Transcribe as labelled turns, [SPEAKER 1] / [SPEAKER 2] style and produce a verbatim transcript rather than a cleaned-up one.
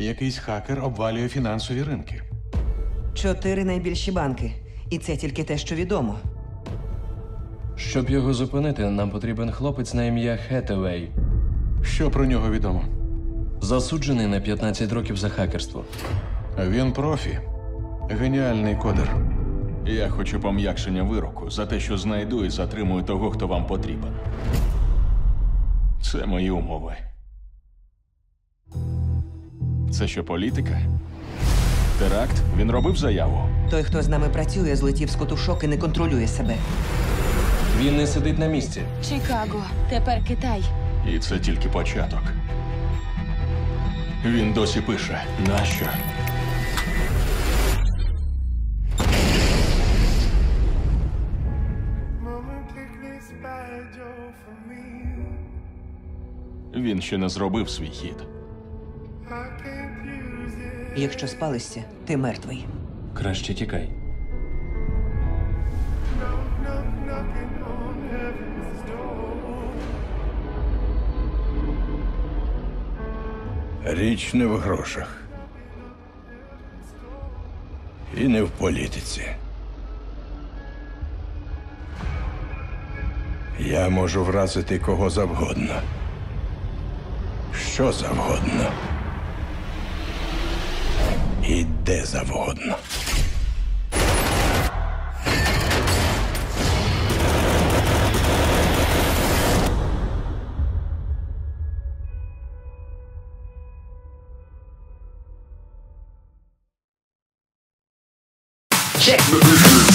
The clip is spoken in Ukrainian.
[SPEAKER 1] Якийсь хакер обвалює фінансові ринки.
[SPEAKER 2] Чотири найбільші банки. І це тільки те, що відомо.
[SPEAKER 3] Щоб його зупинити, нам потрібен хлопець на ім'я Хетевей.
[SPEAKER 1] Що про нього відомо?
[SPEAKER 3] Засуджений на п'ятнадцять років за хакерство.
[SPEAKER 1] Він профі. Геніальний кодер.
[SPEAKER 4] Я хочу пом'якшення вироку за те, що знайду і затримую того, хто вам потрібен. Це мої умови. Це що, політика? Теракт? Він робив заяву?
[SPEAKER 2] Той, хто з нами працює, злетів з котушок і не контролює себе.
[SPEAKER 3] Він не сидить на місці.
[SPEAKER 5] Чикаго, тепер Китай.
[SPEAKER 4] І це тільки початок. Він досі пише. Нащо? Він ще не зробив свій хід.
[SPEAKER 2] Якщо спалишся, ти мертвий.
[SPEAKER 3] Краще тікай.
[SPEAKER 6] Річ не в грошах. І не в політиці. Я можу вразити кого завгодно. Що завгодно. І де завгодно.
[SPEAKER 7] Check the business.